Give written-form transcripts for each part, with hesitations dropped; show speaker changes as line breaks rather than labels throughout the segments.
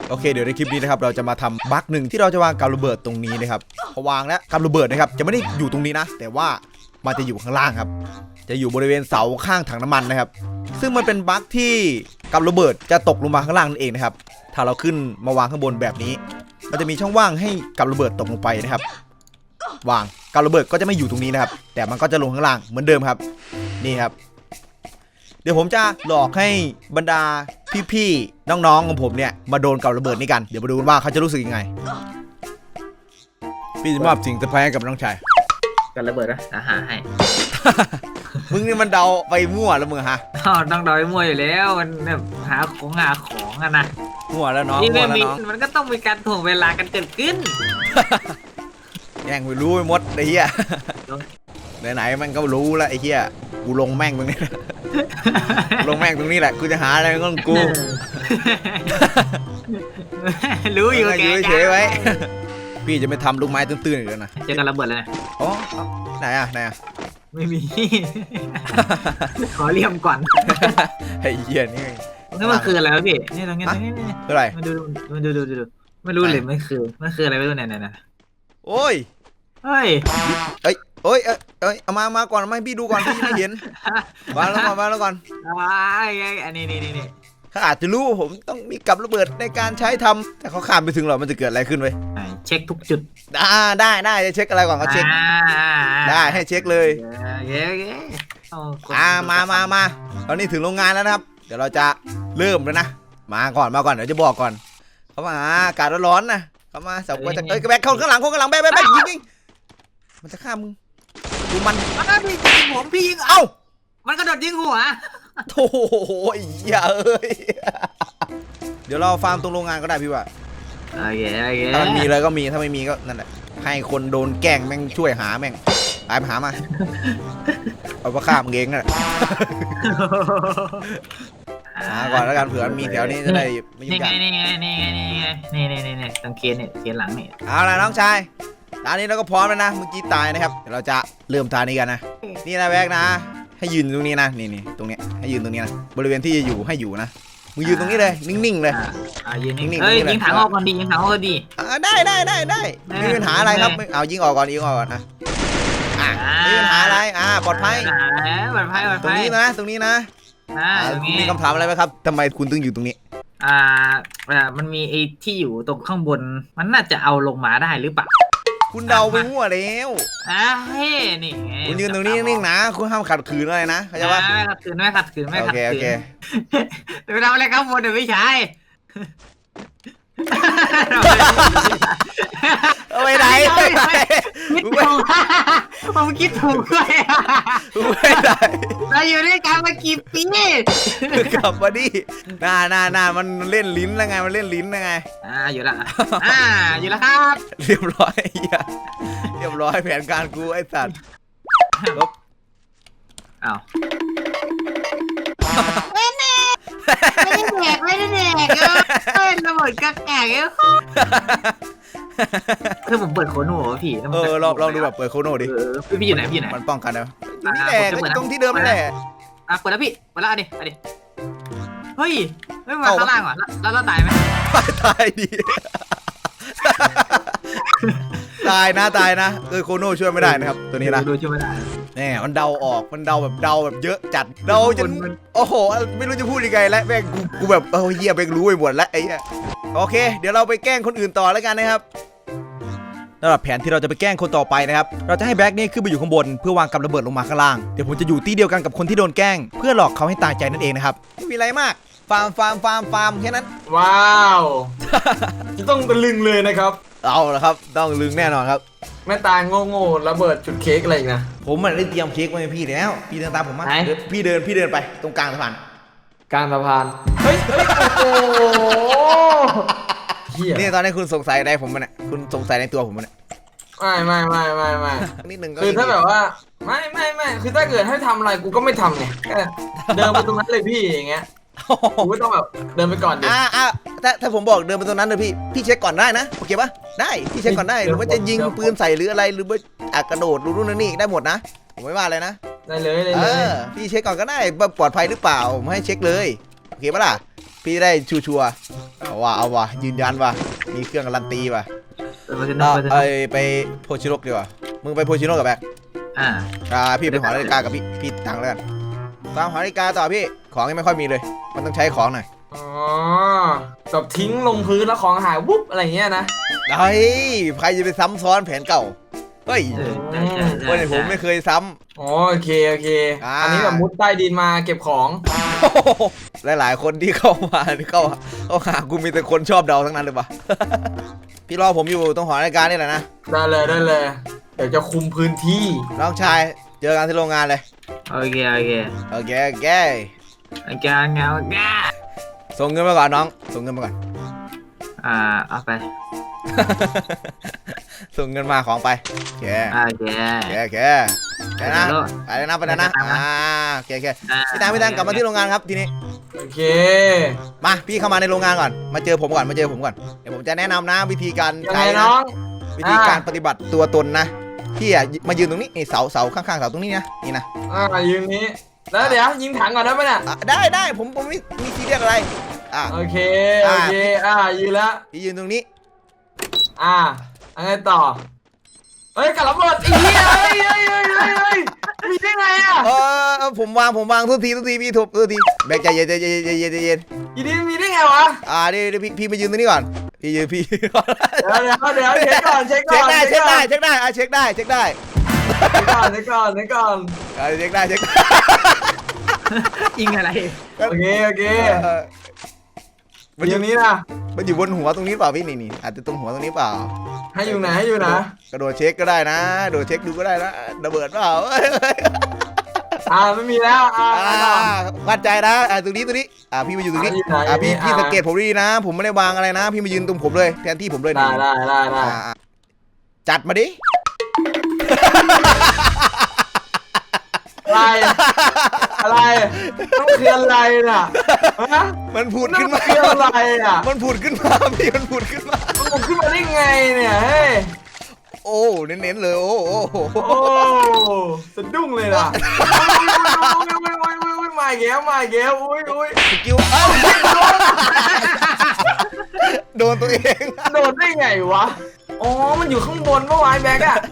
โอเคเดี๋ยวในคลิปนี้นะครับเราจะมาทำบั๊กหนึ่งที่เราจะวางกับระเบิดตรงนี้นะครับพอวางแล้วกับระเบิดนะครับจะไม่ได้อยู่ตรงนี้นะแต่ว่ามันจะอยู่ข้างล่างครับจะอยู่บริเวณเสาข้างถังน้ำมันนะครับซึ่งมันเป็นบั๊กที่กับระเบิดจะตกลงมาข้างล่างนั่นเองนะครับถ้าเราขึ้นมาวางข้างบนแบบนี้มันจะมีช่องว่างให้กับระเบิดตกลงไปนะครับวางกับระเบิดก็จะไม่อยู่ตรงนี้นะครับแต่มันก็จะลงข้างล่างเหมือนเดิมครับนี่ครับเดี๋ยวผมจะหลอกให้บรรดาพี่ๆน้องๆของผมเนี่ยมาโดนกับระเบิดนี้กันเดี๋ยวมาดูกันว่าเขาจะรู้สึกยังไงพี่จะมอบสิ่งเซอร์ไพรส์ให้กับน้องชาย
กันระเบิดนะหาให้
มึงนี่มันเดาไปมั่วแล้วมึงฮะ
ต้องเดาไปมั่วอยู่แล้วมันแบบหาของอะนะ
มั่วแล้วน้อง
นี่
มั่วแล้วน้อง
มันก็ต้องมีการถ่วงเวลากันเกิดขึ้น
แย่งไปรู้ไปหมดไอ้เหี้ยไหนๆมันก็รู้แล้วไอ้เหี้ยกูลงแม่งตรงนี้ลงแม่งตรงนี้แหละกูจะหาอะไรก็ต้องกู
รู้อยู่แก
เฉยไว้พี่จะไม่ทำลูกไม้ตื้นๆอีกแล้วนะ
เจอกันระเบิดเลย
อ๋อไหนอะ
ไม่มี ขอเลี่ยมก่อน
ไอ้เหี้ยนี่
มันคืออะไรวะพี่นี่ตรงนี้
อะไร
มาดูไม่รู้เลยมันคืออะไรไม่รู้เนี่ย
โอ้ย
เฮ้ย
เอามาก่อนมาให้พี่ดูก่อนพี่ไม่เห็นมาแล้วก่อน
อันนี้
เขาอาจจะรู้ว่าผมต้องมีกับระเบิดในการใช้ทำแต่เขาข้ามไปถึงหรอมันจะเกิดอะไรขึ้นเว้ย
เช็คทุกจุด
ได้จะเช็คอะไรก่อนก็เช็คได้ให้เช็คเลยมาตอนนี้ถึงโรงงานแล้วนะครับเดี๋ยวเราจะเริ่มแล้วนะมาก่อนเดี๋ยวจะบอกก่อนเขามาอากาศร้อนนะเขามาสับว่าจะแบกเข้าข้างหลังแบกยิงมันจะฆ่ามึงดูมัน
พี่ยิงผมพี่ยิงมันกระโดดยิงหัว
โถ่อย่าเดี๋ยวเราฟาร์มตรงโรงงานก็ได้พี่ว่า
โอเค
ถ้ามันมีเลยก็มีถ้าไม่มีก็นั่นแหละให้คนโดนแกล้งแม่งช่วยหาแม่งไปหามาเอาไปฆ่ามึงเองนั่นแหละหาก่อนแล้วกันเผื่อมีแถวนี้จะได้ไม่ยุ่งยาก
นี่ตรงเคียนหลังนี่
เอาล่ะน้องชายตอนนี้เราก็พร้อมแล้วนะเมื่อกี้ตายนะครับเดี๋ยวเราจะเริ่มตานี้กันนะนี่นะแบกนะให้ยืนตรงนี้นะนี่ตรงนี้ให้ยืนตรงนี้นะบริเวณที่จะอยู่ให้อยู่นะมึงยืนตรงนี้เลยนิ่งๆเลย
ยืนนิ่งๆยิงถังออกก่อนดียิงถังออกก่อนดี
ได้มีปัญหาอะไรครับเอายิงออกก่อนนะมีปัญหาอะไรปลอดภัยตรงนี้นะมีคำถามอะไรไหมครับทำไมคุณถึงอยู่ตรงนี้
มันมีไอ้ที่อยู่ตรงข้างบนมันน่าจะเอาลงมาได้หรือเปล่า
คุณเดาไปมั่วแล้ว
นี่
คุณยืนตรงนี้นิ่งๆนะคุณห้ามขัดขืนอะไรนะเข้าใจปะ
ไม่ขัดขืนโอเคไปทำอะไรข้างบนเดี๋ยวพี่ชาย
ไปไหน
ผมคิดถูกด้วย
ไปไหน
เราอยู่ด้วยกันมากี่ปี
กลับมาดิน่ามันเล่นลิ้นแล้วไงมันเล่นลิ้นแล้วไง
อยู่แล้วครับ
เรียบร้อยแผนการกูไอ้สัตว์ลบ
ไม่ได้แดกเป็นระเบิดกักแกกคือผมเปิดโคโน่พี่
ลองดูแบบเปิดโคโน่ดิ
พี่อยู่ไหน
มันป้องกันนะนี่แหละตรงที่เดิมนั่นแหละ
เปิดแล้วพี่เปิดแล้วดิเฮ้ยไม่มาข้างล่างว่ะแล้วตายไหม
ตายดิตายนะโคโน่ช่วยไม่ได้นะครับตัวนี้นะ
ช่วยไม่ได้
แน่มันเดาออกมันเดาแบบเยอะจัดเดาจนโอ้โหไม่รู้จะพูดยังไงแล้วแม่งกูแบบเหี้ยแม่งรู้ไปหมดแล้วไอ้เหี้ยโอเคเดี๋ยวเราไปแกล้งคนอื่นต่อแล้วกันนะครับสำหรับแผนที่เราจะไปแกล้งคนต่อไปนะครับเราจะให้แบ็คนี่ขึ้นไปอยู่ข้างบนเพื่อวางกับระเบิดลงมาข้างล่างเดี๋ยวผมจะอยู่ที่เดียวกันกับคนที่โดนแกล้งเพื่อหลอกเขาให้ตายใจนั่นเองนะครับไม่มีอะไรมากฟาร์มแค่นั้น
ว้าวจะต้องตะลึงเลยนะครับ
เอาละครับต้องลึงแน่นอนครับ
แม่ตาโง่ระเบิดจุดเค้กอะไรอีกนะ
ผมได้เตรียมเค้กไว้ให้พี่แล้วพี่เดินตามผมมาพี่เดินไปตรงกลางสะพาน
เฮ้ยโอ้
นี่ตอนนี้คุณสงสัยอะไรผมมันเนี่ยคุณสงสัยในตัวผมมันเนี่ย
ไม่
นิดนึง
คือถ้าแบบว่าไม่คือถ้าเกิดให้ทำอะไรกูก็ไม่ทำไงเดินไปตรงนั้นเลยพี่อย่างเงี้ยกูไม่ต้องแบบเดินไปก่อนดิ
ถ้าผมบอกเดินไปตรงนั้นเลยพี่เช็คก่อนได้นะโอเคปะได้พี่เช็คก่อนได้หรือว่าจะยิงปืนใส่หรืออะไรหรือว่ากระโดดนู่นนี่ได้หมดนะผมไม่ว่าเลยนะ
ได้เลย
พี่เช็คก่อนก็ได้ปลอดภัยหรือเปล่าผมให้เช็คเลยโอเคปะล่ะพี่ได้ชัวร์เอาว่ะยืนยันว่ะมีเครื่องการันตีว่ะ
ไปเถอะ
ไปโพชิโร่ดีกว่ามึงไปโพชิโร่กับแบกพี่ไปหอนาฬิกากับพี่ตังแล้วกันตามหอนาฬิกาต่อพี่ของยังไม่ค่อยมีเลยมันต้องใช้ของหน่อย
อ๋อแบบทิ้งลงพื้นแล้วของหายวุบอะไรเงี้ยนะ
เฮ้ยใครจะไปซ้ำซ้อนแผนเก่าเฮ้ย วันนี้ผมไม่เคยซ้
อ๋อโอเคอันนี้แบบมุดใต้ดินมาเก็บของ
ำหลายๆคนที่เข้ามาเข้าหากูมีแต่คนชอบเดาทั้งนั้นเลยปะ พี่รอผมอยู่ตรงหอนาฬิกานี่แหละนะ
ได้เลยเดี๋ยวจะคุมพื้นที่
น้องชายเจอกันที่โรงงานเลย
โอเค เงา
ส่งเงินมาก่อนน้องส่งเงินมาก่อน
เอาไป
ส่งเงินมาของไปโอเคไปนะไปเลยนะโอเคพี่ตังกลับมาที่โรงงานครับทีนี้
โอเค
มาพี่เข้ามาในโรงงานก่อนมาเจอผมก่อนเดี๋ยวผมจะแนะนำนะวิธีการ
ยัง
ใช้
ไง
นะ
น้อง
วิธีการปฏิบัติตัวตนนะพี่อ่ะมายืนตรงนี้นี่เสาข้างๆเสาตรงนี้นะนี่นะ
ยืนนี้แล้วเดี๋ยวยิงถังก่อนได้ไหมเนี่ย
ได้ผมไม่มีซีเรียสอะไร
โอเคยืนแล้ว
พี่ยืนตรงนี้
อะไรต่อเฮ้ยกับระเบิดอีเหี้ยเฮ้ยมีได้ไงอ่ะ
ผมวางทุกทีพี่ทุบทุกทีแบกใจเย็น
อีนี่มีได้ไงวะ
เดี๋ยวพี่มายืนตรงนี้ก่อนพี่เดี๋ยว
เช็คก่อน
เช็คได้เช็คได้เช็คได้
เช็คก่อน
ยิงอะไร
โอเคมันอยู่นี้นะ
มันอยู่บนหัวตรงนี้เปล่าพี่นี่อาจจะตรงหัวตรงนี้เปล่า
ให้อยู่ไหน
กระโดดเช็คก็ได้นะโดดเช็คดูก็ได้นะระเบิดเปล่า
ไม่มีแล้ว
มั่นใจนะตรงนี้พี่มาอยู่ตรงนี้พี่สังเกตผมดีนะผมไม่ได้วางอะไรนะพี่มายืนตรงผมเลยแทนที่ผมเลย
ได้
จัดมาดิ
อะไรต้องคืออะไรน่ะ
มันผุดขึ้นมา
คืออะไรอ่ะ
มันผุดขึ้นมาพี่มันผุดขึ้นมา
ได้ไงเนี่ยเฮ้ย
โอ้เน้นๆเลยโอ้
สะดุ้งเลยนะมาแก้วอุ้ย
สกิลโดนตัวเอง
โดนได้ไงวะอ๋อมันอยู่ข้างบนเมื่อวานแบกอะ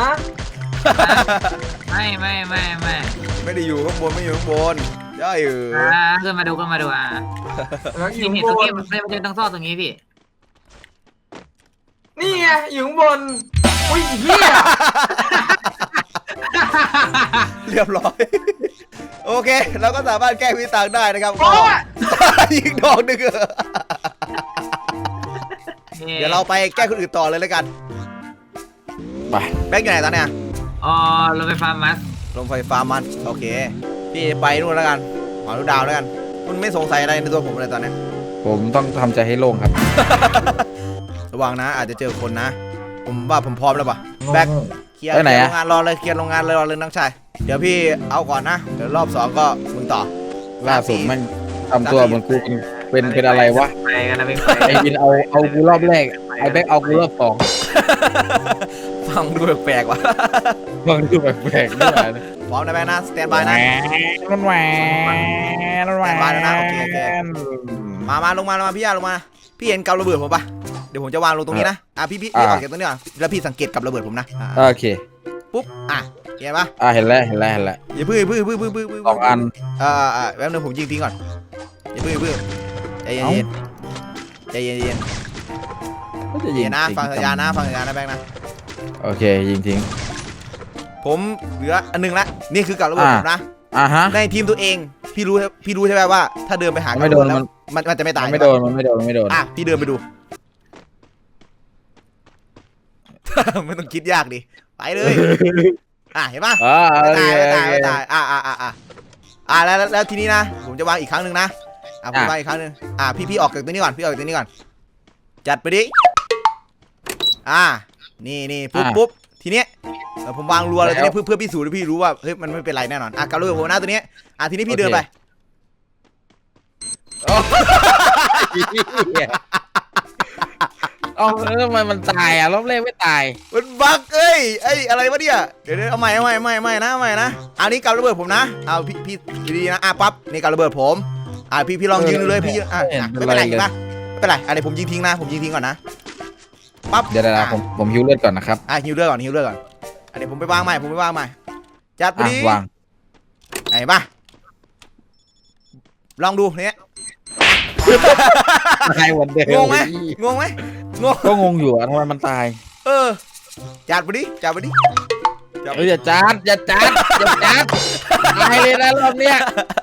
ไม่
ได้อยู่ข้างบนไม่อยู่ข้างบนย่อย
ขึ้นมาดูนี่ตรงนี้มันจะต้องซ่อนตรงนี้พี่
นี่ไงอยู่ข้างบนอุ้ยเหี้ย
เรียบร้อยโอเคเราก็สามารถแก้วิต่างได้นะครับยิงดอกนึงเดี๋ยวเราไปแก้คนอื่นต่อเลยแล้วกันไปแบงค์อยู่ไหนตอนเนี้ย
ลงไฟฟ้า
มันโอเคพี่ไปนู่นแล้วกันหอดูดาวแล้วกันคุณไม่สงสัยอะไรในตัวผมเลยตอนนี้
ผมต้องทำใจให้โล่งครับ
ระวังนะอาจจะเจอคนนะผมว่าผมพร้อมแล้วป่ะแบกเคลียร์โรงงานรอเลยน้องชายเดี๋ยวพี่เอาก่อนนะเดี๋ยวรอบ2ก็มึงต่อ
ล่าสุดมันทำตัวเหมือนกูเป็นอะไรวะ
ไปกันนะ
ไอ้บินเอากูรอบแรกไอ้แบกเอากูรอบ2
ฟังดูแปลกว่ะ
ฟังดูแปลกด้วยนะ
พร้อมนะแบกนะสแตนบายนะ
มันแหวน
บายนะโอเคมาลงมาพี่ลงมาพี่เห็นกับระเบิดผมปะเดี๋ยวผมจะวางลงตรงนี้นะพี่ออกจากตรงนี้ก่อนแล้วพี่สังเกตกับระเบิดผมนะ
โอเค
ปุ๊บเห็นปะ
เห็นแล้ว
อย่าพื้น
2 อัน
แป๊บนึงผมยิงทิ้งก่อนอย่าพื้นใจเย็นนะฟังสัญญาณนะแบงค์นะ
โอเคยิงทิ้ง
ผมเหลืออันนึงละนี่คือกับระเบิดผมนะในทีมตัวเองพี่รู้ใช่ไหมว่าถ้าเดินไปหา
ไม่โดน
มันจะไม่ตาย
ไม่โดน
พี่เดินไปดูไม่ต้องคิดยากดิไปเลยเห็นปะไม่ตายแล้วทีนี้นะผมจะวางอีกครั้งหนึ่งนะผมวางอีกครั้งหนึ่งพี่ออกจากตัวนี้ก่อนจัดไปดินี่ปุ๊บทีเนี้ยผมวางรัวเลยทีนี้เพื่อพิสูจน์ให้พี่รู้ว่าเฮ้ยมันไม่เป็นไรแน่นอนกับระเบิดผมนะตัวนี้ทีนี้พี่เดินไป
ทำไมมันตายรอบแรกไม่ตาย
มันบั๊กอะไรวะเนี่ยเดี๋ยวเอาใหม่นะอันนี้กับระเบิดผมนะเอาพี่ดีนะปั๊บนี่กับระเบิดผมพี่ลองยิงดูเลยพี่ไม่เป็นไรปะไม่เป็นไรอะไรผมยิงทิ้งนะผมยิงทิ้งก่อนนะปั๊บ
เดี๋ยวผมฮิวเลือดก่อนนะครับ
ฮิวเลือดก่อนอันนี้ผมไปวางใหม่จัดไปดิ
วาง
ไหนปะลองดูเนี้ย
ตายวันเดิม
งงไหมงง
ก็งงอยู่ทำไมมันตาย
จัดไปดิ
อย่าจัดตายเลยนะรอบเนี้ย